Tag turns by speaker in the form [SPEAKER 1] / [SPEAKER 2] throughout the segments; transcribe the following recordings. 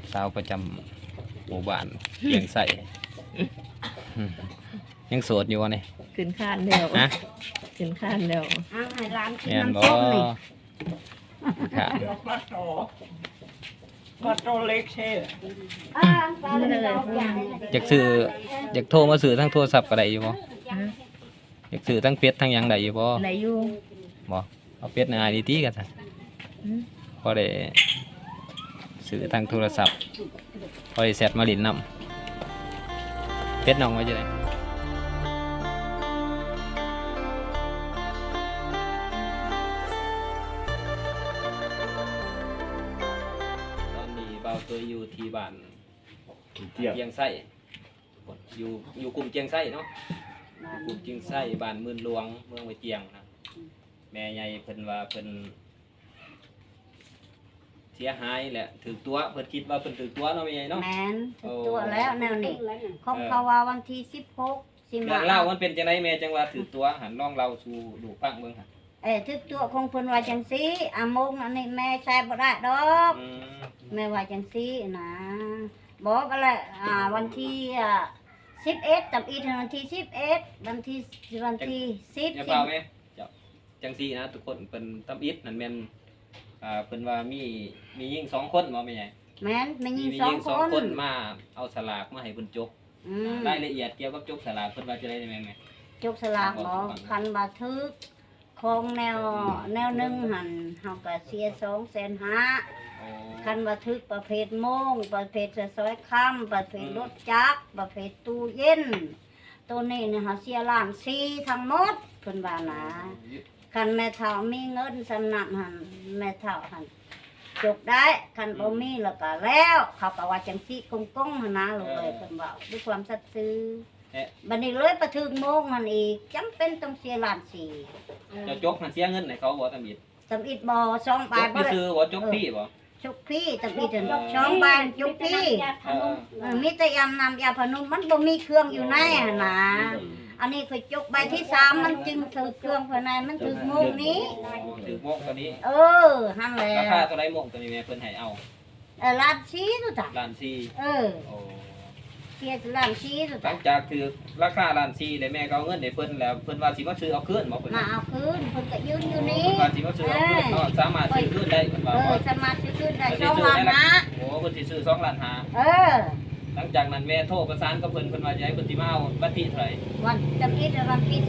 [SPEAKER 1] สาวประจำหมู่บ้านเลี้ยงไส้ยังโสดอยู่วะนี่
[SPEAKER 2] ขึ้นคานแล้ว
[SPEAKER 1] ฮะ
[SPEAKER 2] ขึ้นคานแล้ว
[SPEAKER 3] อ้าวให้ร้านกิน
[SPEAKER 1] แม่นบ่
[SPEAKER 3] น้ำส้มนี่
[SPEAKER 1] ค่ะ
[SPEAKER 4] ปลาโตเล็กเช่
[SPEAKER 3] ปลาเลยเราอย่าง
[SPEAKER 1] อยากซื้ออยากโทรมาซื้อทั้งโทรศัพท์ก็ได้อยู่บ่อยากซื้อทั้งเป็ดทั้งหยังได้อยู่บ่
[SPEAKER 2] ไหนอยู่
[SPEAKER 1] บ่เอาเป็ดในไอดีกันซะ
[SPEAKER 2] อืม
[SPEAKER 1] พอได้ซื้อทั้งโทรศัพท์พอได้แซดมาลินนำเป็ดน้องไว้จังได๋ตอนนี้เบาตัวอยู่ที่บ้าน
[SPEAKER 4] เจียบ
[SPEAKER 1] เจียงไส้อยู่กลุ่มเจียงไส้เนาะกลุ่มเจียงไส้บ้านมื่นหลวงเมืองไว้เจียงนะแม่ใหญ่เพิ่นว่าเพิ่นเสียหายแหละถือตัวเพิ่นคิดว่าเพิ่นถือตัวเนาะแม่ใหญ่เนาะ
[SPEAKER 3] แมนตัวแล้วแนวนี้คงเขาว่าวันที่16สิ
[SPEAKER 1] เรื่อง
[SPEAKER 3] มา
[SPEAKER 1] เล่ามันเป็นจังไดแม่จังว่าถือตัวหันน้องเราสู่ดูฟังเบิ่งหั่น
[SPEAKER 3] ทึกตัวคงเพิ่นว่าจังซี่อามงอันนี้แม่ใช้บ่ได้ดอก
[SPEAKER 1] อืม
[SPEAKER 3] แม่ว่าจังซี่นะบอกกันแหละวันที่11ตับอีถึงวันที่11วันที่10
[SPEAKER 1] อย่าเปล่าแม่เจ้าจังซี่นะทุกคนเพิ่นตำอิดนั่นแม่นเพิ่นว่ามียิ่ง2คนบ่แม่ใหญ่
[SPEAKER 3] แม่นไม่ยิง
[SPEAKER 1] มี
[SPEAKER 3] สอง
[SPEAKER 1] ยิ่ง
[SPEAKER 3] ค
[SPEAKER 1] 2
[SPEAKER 3] น
[SPEAKER 1] คนมาเอาสลากมาให้เพิ่นจก
[SPEAKER 3] อืม
[SPEAKER 1] รายละเอียดเกี่ยวกับจกสลากเพิ่นว่าจะได้แม่แม่
[SPEAKER 3] จกสลากบ่คันบ่ทึกของแนวหนึงหั่นเฮาก็เสีย250,000
[SPEAKER 1] โอ้
[SPEAKER 3] คันบ่ทึกประเภทโมงประเภทซอยค่ำประเภทรถจักรประเภทตู้เย็นตัวนี้เนี่ยเฮาเสียล้าน4ทั้งหมดเพิ่นว่านะคันแม่เฒ่ามีเงินสำนักหั่นแม่เฒ่าหั่นจกได้คันบ่มีแล้วก็แล้วเขาก็ว่าจังซี่กงๆหั่นนะลูกเอ้ยเพิ่นเว้าด้วยความสัตย์ซื่อ
[SPEAKER 1] เอ๊ะ
[SPEAKER 3] บัดนี้เลยประทึกโมงหั่นอีกจำเป็นต้องเสียล้านสี่
[SPEAKER 1] เจะจกหันเสียเงินให้เขาบ่ตำอิด
[SPEAKER 3] ตำอิดบ่2
[SPEAKER 1] จ
[SPEAKER 3] บาท
[SPEAKER 1] ก
[SPEAKER 3] บ่
[SPEAKER 1] พี่
[SPEAKER 3] ได้
[SPEAKER 1] ซื้อบ่จกพี่บ่
[SPEAKER 3] จุกพี่ตำอิดถึง2 บาทจุกพี่
[SPEAKER 1] เออ
[SPEAKER 3] มีแต่ยำน้ำยาพนุนมันบ่มีเครื่องอยู่ในหั่นนะอันนี้คือจุกใบที่3มันจึงถือเครื่องภายในมันถือโมงนี้
[SPEAKER 1] ถือโมงตัวนี้
[SPEAKER 3] หั่นแหละ
[SPEAKER 1] ราคาเท่าไรโมงตัวนี้แม่เพิ่นให้เอา
[SPEAKER 3] ล้านชี้ตุจ้ะ
[SPEAKER 1] ล้านสี่
[SPEAKER 3] โอ้ เสียล้านชี้ตุ
[SPEAKER 1] หลั
[SPEAKER 3] จ้ะ
[SPEAKER 1] งจากถือราคาล้านสี่แล้วแม่ก็เอาเงินให้เพิ่นแล้วเพิ่นว่าสิมาซื้อเอาคืนบ่เพิ่น
[SPEAKER 3] มาเอาคืนเพิ่นก็ยืนอยู่นี่
[SPEAKER 1] เพิ่นว่าสิมาซื้อเอาคืนเนาะสามารถซื้อคืนได้เพิ่นว่าบ่
[SPEAKER 3] สามารถซื้อคืนได้2 ล้านนะ
[SPEAKER 1] โอ้เพิ่นสิซื้อ2ล้านห้า
[SPEAKER 3] เออ
[SPEAKER 1] หลังจากนั้นแม่โทรประสานกับเพิ่นว่าจะให้เพิ่นสิมาเอาวันที่เท่าไหร่
[SPEAKER 3] วันตำอิดวันที่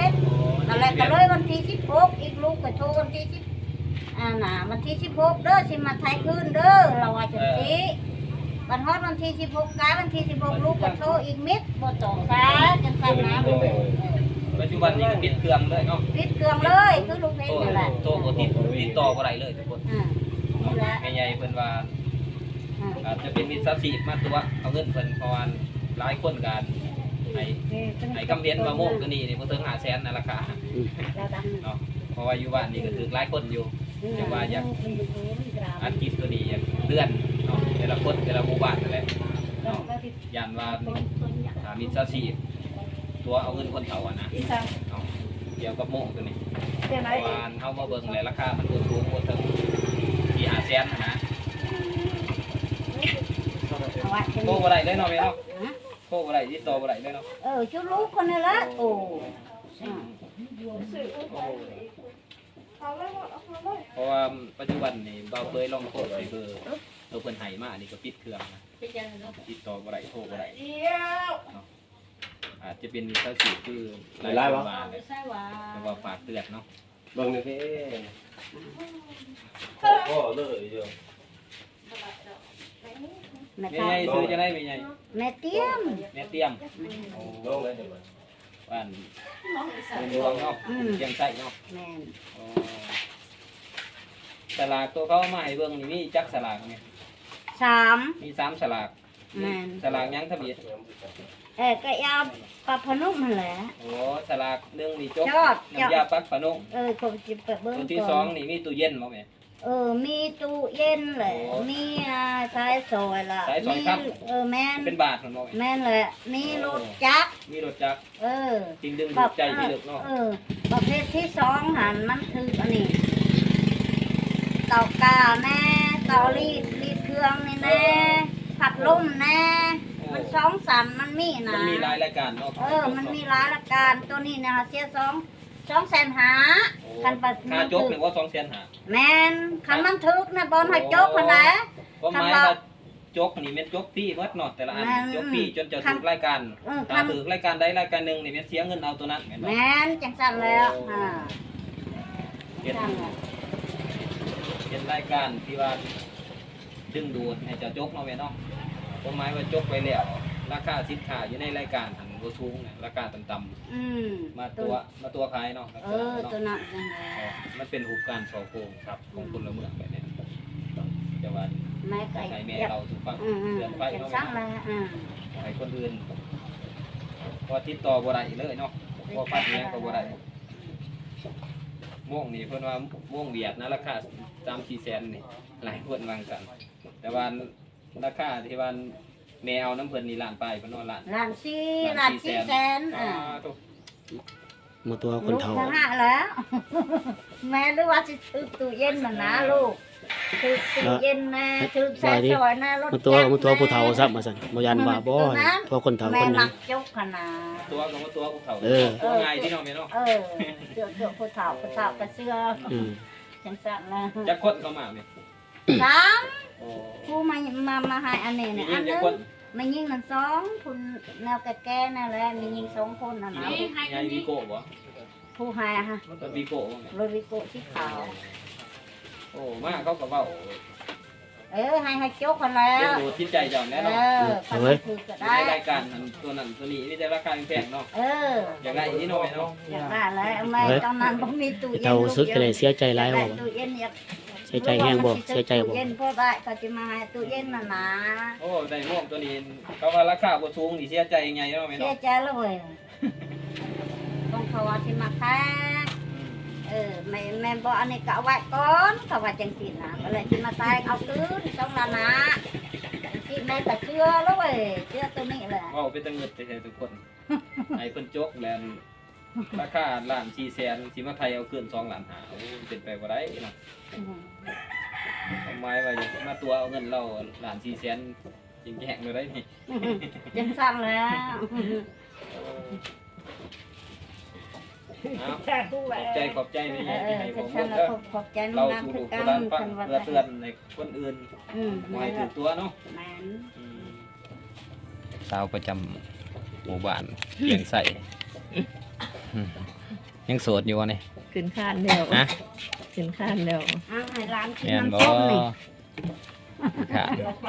[SPEAKER 3] 11อะไรก็เลยวันที่16อีกลูกก็โทรวันที่10วันที่16เด้อสิมาไทยคืนเด้อเราว่าจังซี่วันฮอดวันที่16กายวันที่16ลูกก็โทรอีกมิดบ่ต้องซาจังซั่นนะ
[SPEAKER 1] ปัจจุบันนี้ก็ปิดเครื่องเลยเนาะ
[SPEAKER 3] ปิดเครื่องเลยคือลูกเพลงนั่นแหละ
[SPEAKER 1] โทรบ่ติดต่อบ่ได้เลยทุกคน
[SPEAKER 3] นี่แหละ
[SPEAKER 1] แม่ใหญ่เพิ่นว่าอาจจะเป็นมิจฉาชีพมาตัวเอาเงินเพิ่นเพราะว่าหลายคนกันให้คำเรียนว่าโมกตัวนี้นี่บ่ถึง500,000นะราคาเนาะเพราะว่าอยู่บ้านนี่ก็ถือหลายคนอยู่แต่ว่าอยากอัดคลิปตัวนี้อยากเลื่อนเนาะแต่ละคนแต่ละหมู่บ้านนั่นแหละเนาะย่านว่ามิจฉาชีพตัวเอาเงินคนเฒ่าอ่ะนะเนาะเกี่ยวกับโมกตัวนี้เพราะว่าเฮามาเบิ่งแล้วราคามันสูงบ่ถึงที่500,000นะโทรบ่ได้เลยเนาะแม่เนาะโทรบ่ได้ติดต่อบ่ได้เลยเนาะ
[SPEAKER 3] ชุดลูกคนนี้ละโอ้
[SPEAKER 1] เพราะว่าปัจจุบันนี่เบาเคยลองโทรไปเบอร์ตัวเพิ่นให้มานี่ก็ปิดเครื่องนะติดต่อบ่ได้โทรบ่ได้อาจจะเป็นมิจฉาชีพคือหลายๆบาทเลยแต่ว่าฝากเตือนเนาะ
[SPEAKER 4] เบิ่งนี่พี่พ่อเลยเดียว
[SPEAKER 3] แม่
[SPEAKER 1] แม่ใหญ่ซื้อจะได้แม่ใหญ่
[SPEAKER 3] แม่เตี้ยม
[SPEAKER 1] แม่เตรียม
[SPEAKER 4] ลงเลยเดี๋ยว
[SPEAKER 1] บ้านเป็นหลวงเนาะเชียงไส้เนาะ
[SPEAKER 3] แม่
[SPEAKER 1] อ๋อสลากตัวเขามาให้เบิ่งนี่มีจักสลากไหม
[SPEAKER 3] 3
[SPEAKER 1] มี3สลาก
[SPEAKER 3] แม่น
[SPEAKER 1] สลากหยังทะเบียน
[SPEAKER 3] ก็ยาวปลาพนุ่มนั่นแหละ
[SPEAKER 1] โอ้สลากหนึ่งนี่จก
[SPEAKER 3] จอด
[SPEAKER 1] น้ำยาปักฝานุ่ง
[SPEAKER 3] คงสิไปเบิ่ง
[SPEAKER 1] ตัวที่
[SPEAKER 3] ก่
[SPEAKER 1] ส
[SPEAKER 3] อ
[SPEAKER 1] อง
[SPEAKER 3] น
[SPEAKER 1] นี่มีตู้เย็นบ่แม่
[SPEAKER 3] มีตู้เย็นแหละมีสายซอยล่ะ
[SPEAKER 1] สายซอยครับ
[SPEAKER 3] แม่น
[SPEAKER 1] เป็นบาทมันบ่แม่
[SPEAKER 3] แม่นแหละมีรถจักร
[SPEAKER 1] มีรถจักรจริงดึงดูดใจที่ลึกเนาะ
[SPEAKER 3] ประเภทที่2หันมันคืออันนี้เตากาแน่เตารีดเครื่องนี่แน่ล่มแน่มันสองสันมันมีนะ
[SPEAKER 1] มันมีหลายรายการเนาะ
[SPEAKER 3] มันมีหลายรายการตัวนี้นะคะเสีย200,000หาคันปัด
[SPEAKER 1] ค่าจกเนี่ยว่า200,000หา
[SPEAKER 3] แม่นคันมันถึกนะบอลให้จกคนไหน
[SPEAKER 1] ก็หมายว่าจกนี่แม่นจกฟรีหมดเนาะแต่ละอันจกฟรีจนจะถูกรายการถ้าถูกรายการใดรายการหนึงนี่แม่นเสียเงินเอาตัวนั้นแม่นบ่
[SPEAKER 3] แม่นจังสั่นแล้วอ่า
[SPEAKER 1] เฮ็ด
[SPEAKER 3] จังแล้ว
[SPEAKER 1] เป็นรายการที่ว่าดึงดูดให้เจ้าจกเนาะแม่เนาะก็หมายว่าจกไปแล้วราคาสินค้าอยู่ในรายการหันบ่สูงเนี่ยราคาต่ำๆมาตัวขายเนาะ
[SPEAKER 3] ตัวนั้นจังแล้ว
[SPEAKER 1] มันเป็นรูปการสอโกงครับของคนละเมืองแบบนี้จะว่า
[SPEAKER 3] แม่ไก่
[SPEAKER 1] ให้แม่เราสู่ฟังเตือนไป
[SPEAKER 3] จัง
[SPEAKER 1] เนาะ
[SPEAKER 3] สั่นแล้ว
[SPEAKER 1] ให้คนอื่นพอติดต่อบ่ได้เลยเนาะพอฟัดเนี้ยก็บ่ได้ม่วงนี่เพิ่นว่าม่วงเวียดนะราคา 3-4 แสนนี่หลายคนวางกัน แต่ว่าราคาที่ว่าแมวน้ำเพิ่นนี่ล้านปลายเพิ่นว่าล้าน
[SPEAKER 3] ล้านสี่แสน
[SPEAKER 1] ถูก
[SPEAKER 5] มาตัวคนเฒ่า
[SPEAKER 3] ลูกทั้ง5แล้ว แม่หรือว่าสิถือตู้เย็นมันนะลูกถือตู้เย็นนะถือแซ่ซอยนะรถ
[SPEAKER 5] มาตัวผู้เฒ่าซับมาสั่นบ่ยันว่าบ่ตัวคนเฒ่า
[SPEAKER 3] แม่
[SPEAKER 5] คน
[SPEAKER 3] มั
[SPEAKER 5] นั้น
[SPEAKER 3] กจกขนาด
[SPEAKER 1] ตัวก็ว่าตัวภูเขา
[SPEAKER 5] เออ
[SPEAKER 1] ตัวง่ายที่เนาะแม่เนาะ
[SPEAKER 3] เสื้อผู้เฒ่าก็เสื้อ
[SPEAKER 5] อืม
[SPEAKER 3] จังสั่นแล้ว
[SPEAKER 1] จักคนเข้ามาเนี่ย
[SPEAKER 3] 3
[SPEAKER 1] โอ้
[SPEAKER 3] ผู้มาให้อันนี้เนี่ยอันนึงมันยิงมัน2คุณแนวแก่ๆนั่นแหละมียิง2คนน่ะนะ
[SPEAKER 1] ยายวีโก้บ่
[SPEAKER 3] ผู้ให้ฮะ
[SPEAKER 1] รถวีโก้บ่แม่
[SPEAKER 3] โรบิโกสีขาว
[SPEAKER 1] โอ้มาเขาก็เว้า
[SPEAKER 3] ให้โจ๊กคนแล้
[SPEAKER 1] เลี้ยง
[SPEAKER 3] ว
[SPEAKER 1] ดูจิตใจเจ้าแน่เนาะ
[SPEAKER 3] คันมันคือก็
[SPEAKER 1] ใน
[SPEAKER 3] ได้
[SPEAKER 1] รายการนั้นตัวนั้นตัวนี้มีแต่ราคาแพงเนาะ อย่างไรนี่เนาะแม่เนาะ
[SPEAKER 3] อยากได้แล้วแม่ตอนนั้นบ่มีตู้เย็น
[SPEAKER 5] เฒ่าซึกก็เลยเสียใจหลายบ่
[SPEAKER 3] ตู้เย็นอยาก
[SPEAKER 5] เสียใจแฮงบ่เสียใจบ่
[SPEAKER 3] ตู้เย็นพอได้ก็จะมาให้ตู้เย็นน่ะนะ
[SPEAKER 1] โอ้ได้ม่วงตัวนี้เขาว่าราคาบ่สูงนี่เสียใจยังไงเนาะแม่
[SPEAKER 3] เสีย
[SPEAKER 1] เนาะ
[SPEAKER 3] ใจแล้วเว้ยต้องเขาว่าสิมาแพ้แม่บอกอันนี้ก็เอาไว้ก่อนเขาว่าจังซี่นะก็เลยสิมาตายเอาคืนต้องละนะที่แม่ก็เชื่อแล้วเว้ยเชื่อตัวนี้แหละ
[SPEAKER 1] เว้าเป็นตะเงิดแท้ๆทุกคนให้เพิ่นจกแล้วราคาล้าน4แสนสิมาไทยเอาเกิน2ล้าน5โอ้เป็นไปบ่ได้เนาะทำไมว่าอย่ามาตัวเอาเงินเราล้าน4แสนจริงแยกเลยได้นี่
[SPEAKER 3] จังสั่นแล้ว
[SPEAKER 1] ขอบใจนี่ให้ผม
[SPEAKER 3] ฉัน
[SPEAKER 1] เด้อ
[SPEAKER 3] ขอบใจน้
[SPEAKER 1] เรา
[SPEAKER 3] องน้ำ
[SPEAKER 1] สู่
[SPEAKER 3] คื
[SPEAKER 1] ลู
[SPEAKER 3] อก กั
[SPEAKER 1] โบราณฟัง
[SPEAKER 3] นว่า
[SPEAKER 1] เพื่อเตือนในคนอื่น
[SPEAKER 3] แม่
[SPEAKER 1] ให้ถูกตัวเนาะ
[SPEAKER 3] แม่น
[SPEAKER 1] สาวประจำหมู่บ้านเพียงใส่ยังโสดอยู่วะนี่
[SPEAKER 2] ขึ้นคานแล้ว
[SPEAKER 1] ฮะ
[SPEAKER 2] ขึ้นคานแล้ว
[SPEAKER 3] เอาให้ร้านกิน
[SPEAKER 1] แม่นบ่
[SPEAKER 3] น้ำส้มนี่
[SPEAKER 1] ค่ะ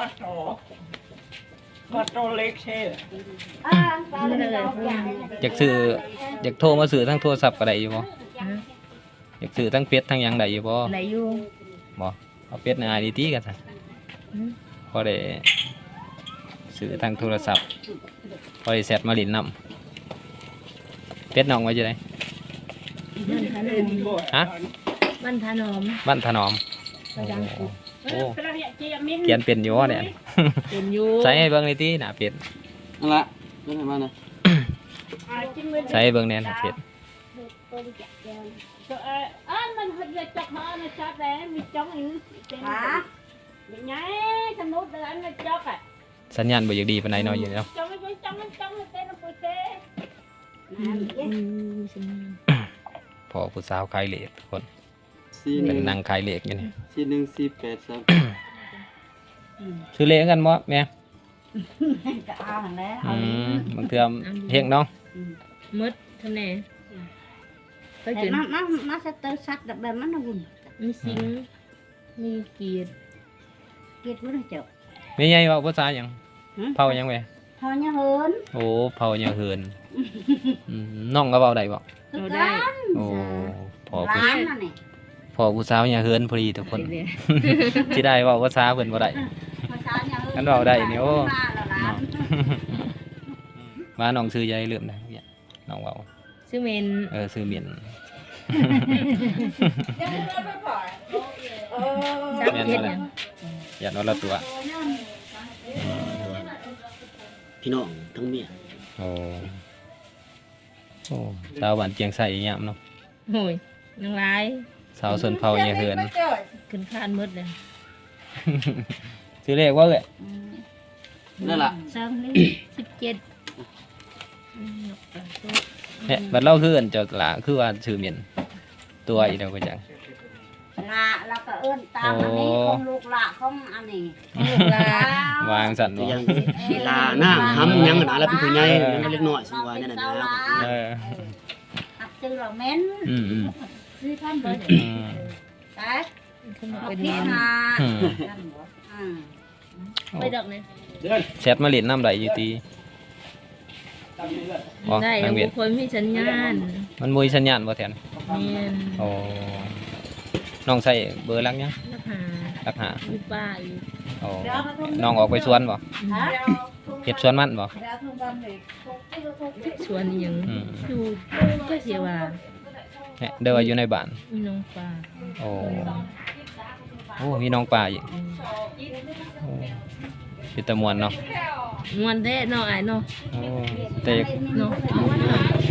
[SPEAKER 6] ก็โตเล็กเช่
[SPEAKER 3] ตาเลยเราอยาก
[SPEAKER 1] อยากซื้ออยากโทรมาซื้อทั้งโทรศัพท์ก็ได้อยู่บ่อยากซื้อทั้งเป็ดทั้งหยังได้อยู่บ่
[SPEAKER 2] ไหนอยู่
[SPEAKER 1] บ่เอาเป็ดใน IDT กันซะพอได้ซื้อทั้งโทรศัพท์พอได้แซดมาลิ้นนำเป็ดน้องไว้จังได๋ ฮะ
[SPEAKER 2] บ้านทานอม
[SPEAKER 1] บ้านถนอม
[SPEAKER 2] ประดังกุด
[SPEAKER 1] โอ้เขียนเป็นอยู่บ่เนี่ย
[SPEAKER 2] เป็นอยู่
[SPEAKER 1] ใส่ให้เบิ่งนี่ติหน้าเป็ด
[SPEAKER 5] นั่นล่ะนั่นมานะ
[SPEAKER 1] ใส่ให้เบิ่งแน่หน้าเป็ด
[SPEAKER 6] มันจะจับหาในชาแดงมีจ้องอยู่เต็ม
[SPEAKER 3] หา
[SPEAKER 6] อย่างไงสมุดเดินมาจับอ่ะ
[SPEAKER 1] สัญญาณบ่อยากดีปานใดเนาะอยู่เนาะ
[SPEAKER 6] จ้องเต้นปุ๋ยเต้
[SPEAKER 1] พอผู้สาวขายเหล็กทุกคน
[SPEAKER 5] 4
[SPEAKER 1] เป็นนางขายเหล็กอยู่นี่
[SPEAKER 5] 4148
[SPEAKER 1] ซื้อเหล็กกันบ่แม่
[SPEAKER 3] ก็เอาแล้ว
[SPEAKER 1] บางเทื่อเฮงเนาะ
[SPEAKER 2] มดทำแน่ก็
[SPEAKER 3] แต่
[SPEAKER 2] จน
[SPEAKER 3] มาสเตอร์ซัดแบบมันหุ่น
[SPEAKER 2] มีสิงมีเกียรติ
[SPEAKER 3] เกิดบ่ได้เจ้า
[SPEAKER 1] แม่ใหญ่เว้าภาษาหยังเผาหยังแม่
[SPEAKER 3] พอเนี่ยเหิน
[SPEAKER 1] โอ้เผาหยังเหินน้องก็เว้าได้บ่
[SPEAKER 2] เราได้
[SPEAKER 1] โอ้พอผู้
[SPEAKER 3] ร้านนั่นนี่
[SPEAKER 1] พอผู้สาวหยังเหินพอดีทุกคน
[SPEAKER 2] ไปเลย
[SPEAKER 1] สิได้เว้าภาษาเพิ่นบ่ได้
[SPEAKER 3] ภาษาเนี่ยเหิน
[SPEAKER 1] กันเว้าได้นี่โอ้
[SPEAKER 3] มาแล้วร้าน
[SPEAKER 1] ว่าน้องซื้อยายลืมได้เนี่ยน้องเว้า
[SPEAKER 2] ชื่อเมน
[SPEAKER 1] ซื้อเมียน
[SPEAKER 2] ซับเย็ดยัง
[SPEAKER 1] อย่านอนละตัว
[SPEAKER 5] พี่น้องทั้งเมีย
[SPEAKER 1] โอ้สาวบ้านเจียงไสอีหยังเนาะ
[SPEAKER 2] โอ้ยนางร้าย
[SPEAKER 1] สาวสนเผาหยังเหิน
[SPEAKER 2] ขึ้นคานมดเลย
[SPEAKER 1] ซื้อเลขว่าเอ้ย
[SPEAKER 5] นั่นล่ะ
[SPEAKER 2] 17
[SPEAKER 1] บัดเราคืออันเจ้าหลาคือว่าชื่อเมียนตัวอีเดียวก็จัง
[SPEAKER 3] ละแล้วก็เอิ้นตามอันนี้ของลูกละของอันนี้
[SPEAKER 2] ลูกหลาน
[SPEAKER 1] วางสั่น
[SPEAKER 5] แต่
[SPEAKER 1] บ่
[SPEAKER 5] ยังเวลาหน้าห้ำยังนะแล้วเป็นผู้ใหญ่ยังเล็กน้อยสิว่านั่นน่ะนะ
[SPEAKER 1] เออ
[SPEAKER 3] หักซื้อเราเม้น
[SPEAKER 1] อืม
[SPEAKER 6] ซื้อท่านเบอร์
[SPEAKER 1] อืม
[SPEAKER 3] แต่
[SPEAKER 2] ขึ้นมา
[SPEAKER 3] เอา
[SPEAKER 2] เป็น
[SPEAKER 3] พี่
[SPEAKER 2] น้
[SPEAKER 3] นา
[SPEAKER 1] อืม
[SPEAKER 2] ไปดอกนี่
[SPEAKER 1] แชทมาเล่นน้ำไหลอยู่ตีอ๋อ
[SPEAKER 2] ได้
[SPEAKER 1] นางเวียน
[SPEAKER 2] บ่ค่อยมีสัญญาณ
[SPEAKER 1] มันมุยสัญญาณบ่แทน
[SPEAKER 2] แม่น
[SPEAKER 1] โอ้น้องใส่เบอร์ลักยัง
[SPEAKER 2] ราคา
[SPEAKER 1] ลักหา
[SPEAKER 2] มีป้าอยู่
[SPEAKER 1] โอ้น้องออกไปสวนบ่เฮ็ดสวนมันบ่
[SPEAKER 2] ชวนอีหยัง
[SPEAKER 1] อืม
[SPEAKER 2] อยู่ก็สิว่า
[SPEAKER 1] เนี่ยเดินอยู่ในบ้าน
[SPEAKER 2] มีน้องป้า
[SPEAKER 1] โอ้โอ้มีน้องป่าอีกโอ้เป็นตะมวนเนาะ
[SPEAKER 2] ม่วนแท้เนาะอ้ายเนาะ
[SPEAKER 1] โอ้แต่
[SPEAKER 2] เนาะม่วนเนาะ